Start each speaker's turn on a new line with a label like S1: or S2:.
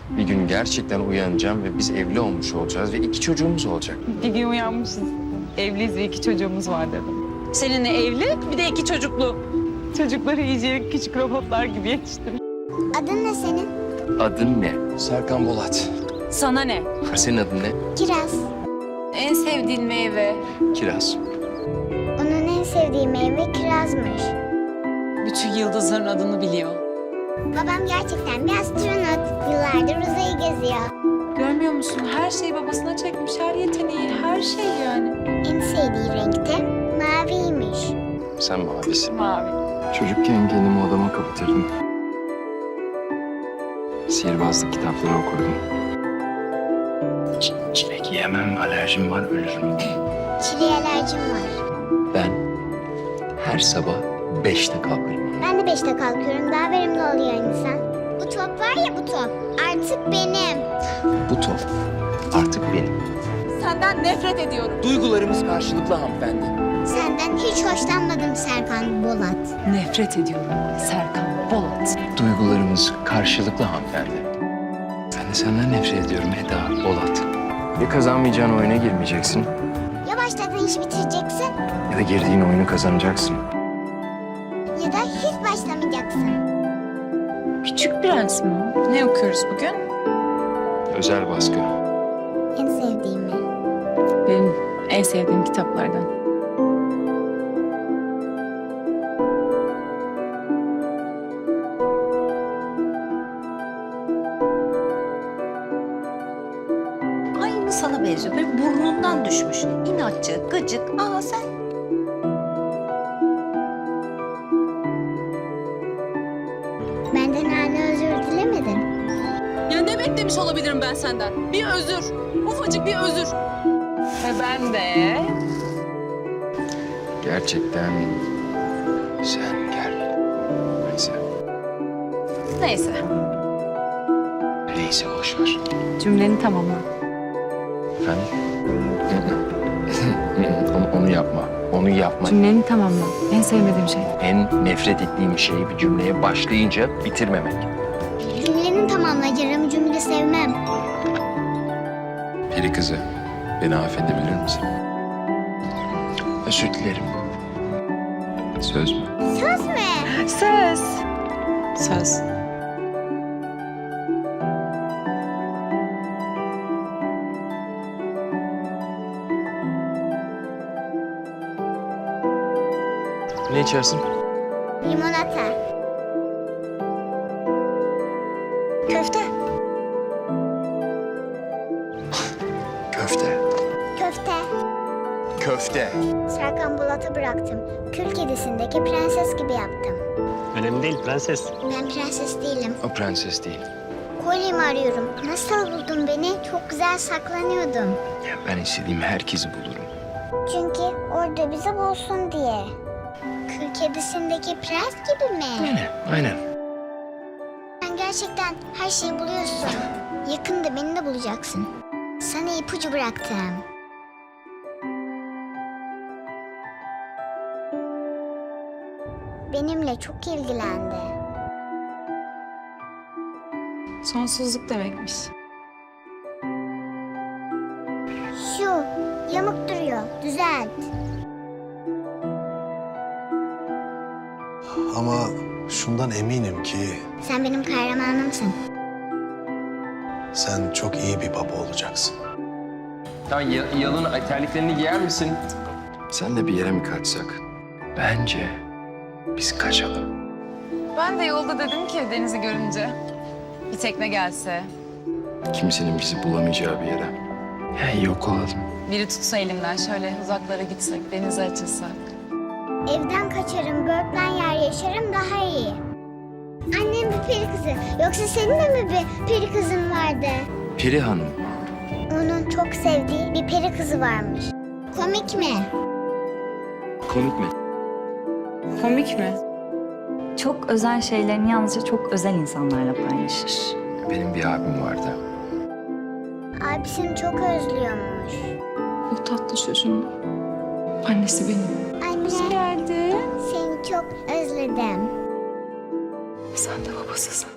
S1: Bir gün gerçekten uyanacağım ve biz evli olmuş olacağız ve 2 çocuğumuz olacak.
S2: Bir gün uyanmışız. Evliyiz ve 2 çocuğumuz var dedim. Seninle evli, bir de 2 çocuklu. Çocukları iyice küçük robotlar gibi yetiştirmiş.
S3: Adın ne senin?
S1: Adın ne? Serkan Bolat.
S2: Sana ne?
S1: Senin adın ne?
S3: Kiraz.
S2: En sevdiğin meyve?
S1: Kiraz.
S3: Onun en sevdiği meyve kirazmış.
S2: Bütün yıldızların adını biliyor.
S3: Babam gerçekten bir astronot. Yıllardır uzayı geziyor.
S2: Görmüyor musun? Her şeyi babasına çekmiş, her yeteneği, her şey yani.
S3: En sevdiği renk de maviymiş.
S1: Sen mavisin.
S2: Mavi.
S1: Çocukken kendimi odama kapatırdım. Sihirbazlık kitapları okurdum. Çilek yemem, alerjim var, ölürüm.
S3: Çileğe alerjim var.
S1: Ben her sabah 5'te kalkarım.
S3: Ben de 5'te kalkıyorum. Daha verimli oluyor insan. Bu top var ya bu top. Artık benim.
S1: Bu top artık benim.
S2: Senden nefret ediyorum.
S4: Duygularımız karşılıklı hanımefendi.
S3: Senden hiç hoşlanmadım Serkan Bolat.
S2: Nefret ediyorum Serkan Bolat.
S1: Duygularımız karşılıklı hanımefendi. Ben de senden nefret ediyorum Eda Bolat. Ya kazanmayacağın oyuna girmeyeceksin
S3: Ya başladığın işi bitireceksin
S1: ya da girdiğin oyunu kazanacaksın.
S3: ya da hiç başlamayacaksın.
S2: Küçük Prens mi? Ne okuyoruz bugün?
S1: Özel baskı.
S3: En sevdiğimi.
S2: Benim en sevdiğim kitaplardan.
S5: Aynı sana benziyor. Böyle burnundan düşmüş. İnatçı, gıcık. Aa sen.
S3: Benden hala özür dilemedin.
S2: Ya ne beklemiş olabilirim ben senden? Bir özür. Ufacık bir özür. Ve ben de...
S1: Gerçekten sen gel. Neyse.
S2: Neyse.
S1: Neyse boş ver.
S2: Cümleni tamamla.
S1: onu yapma. Onu yapma.
S2: Cümleni tamamla. En sevmediğim şey.
S1: En nefret ettiğim şey bir cümleye başlayınca bitirmemek.
S3: Cümleni tamamla. Yarım cümle sevmem.
S1: Peri kızı, beni affedebilir misin? Özür dilerim. Söz mü?
S3: Söz mü?
S2: Söz. Söz.
S1: Ne içersin?
S3: Limonata. Köfte.
S1: Köfte.
S3: Köfte.
S1: Köfte.
S3: Serkan Bolat'a bıraktım. Kül Kedisi'ndeki prenses gibi yaptım.
S6: Önemli değil prenses.
S3: Ben prenses değilim.
S1: O prenses değil.
S3: Kolyemi arıyorum. Nasıl buldun beni? Çok güzel saklanıyordum.
S1: Ya ben istediğim herkesi bulurum.
S3: Çünkü orada bizi bulsun diye. Kül Kedisi'ndeki prens gibi mi?
S1: Aynen.
S3: Sen gerçekten her şeyi buluyorsun. Yakında beni de bulacaksın. Sana ipucu bıraktım. Benimle çok ilgilendi.
S2: Sonsuzluk demekmiş.
S3: Şu yamuk duruyor. Düzelt.
S7: Ama şundan eminim ki
S3: Sen benim kahramanımsın.
S7: sen çok iyi bir baba olacaksın.
S1: Tamam, yalın terliklerini giyer misin? Senle bir yere mi kaçsak? Bence biz kaçalım.
S2: Ben de yolda dedim ki denizi görünce. Bir tekne gelse,
S1: Kimsenin bizi bulamayacağı bir yere. Ya yok olalım.
S2: biri tutsa elimden şöyle uzaklara gitsek, denize açılsak.
S3: Evden kaçarım, börtlen yer yaşarım daha iyi. Annem bir peri kızı. Yoksa senin de mi bir peri kızın vardı?
S1: Peri Hanım.
S3: Onun çok sevdiği bir peri kızı varmış. Komik mi?
S1: Komik mi?
S2: Komik mi?
S8: Çok özel şeylerini yalnızca çok özel insanlarla paylaşır.
S1: Benim bir abim vardı.
S3: Abisini çok özlüyormuş.
S2: O tatlı çocuğun annesi benim.
S3: Anne,
S2: Geldi.
S3: seni çok özledim.
S2: Sen de babasısın.